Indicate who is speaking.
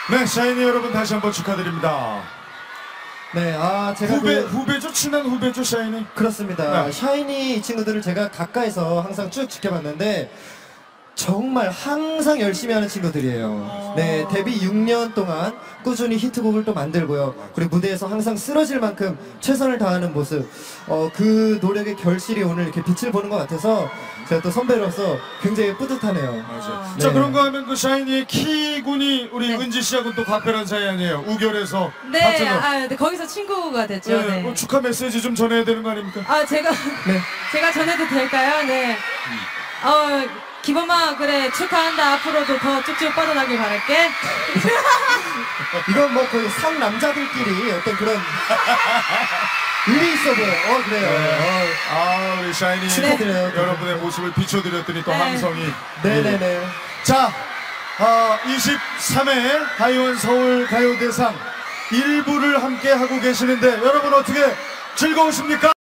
Speaker 1: 네, 샤이니 여러분 다시 한번 축하드립니다.
Speaker 2: 네, 제가
Speaker 1: 후배죠? 친한 후배죠, 샤이니?
Speaker 2: 그렇습니다.
Speaker 1: 네.
Speaker 2: 샤이니 이 친구들을 제가 가까이서 항상 쭉 지켜봤는데 정말 항상 열심히 하는 친구들이에요. 네, 데뷔 6년 동안 꾸준히 히트곡을 또 만들고요. 그리고 무대에서 항상 쓰러질 만큼 최선을 다하는 모습. 그 노력의 결실이 오늘 이렇게 빛을 보는 것 같아서 제가 또 선배로서 굉장히 뿌듯하네요.
Speaker 1: 맞아요.
Speaker 2: 네.
Speaker 1: 자, 그런가 하면 그 샤이니의 키군이 우리
Speaker 3: 네.
Speaker 1: 은지 씨하고 또 각별한 사이 아니에요? 우결에서.
Speaker 3: 네, 네, 거기서 친구가 됐죠.
Speaker 1: 네.
Speaker 3: 네.
Speaker 1: 축하 메시지 좀 전해야 되는 거 아닙니까?
Speaker 3: 제가
Speaker 2: 네.
Speaker 3: 제가 전해도 될까요? 네. 기범아, 그래, 축하한다. 앞으로도 더 쭉쭉 뻗어나길 바랄게.
Speaker 2: 이건 뭐 거의 상남자들끼리 어떤 그런 의미 있어 보여요. 그래요.
Speaker 1: 네. 우리 샤이니
Speaker 2: 축하드려요.
Speaker 1: 여러분의 모습을 비춰드렸더니 또
Speaker 3: 네.
Speaker 1: 함성이.
Speaker 2: 네네네.
Speaker 1: 자, 23회 하이원 서울 가요대상 1부를 함께 하고 계시는데 여러분 어떻게 즐거우십니까?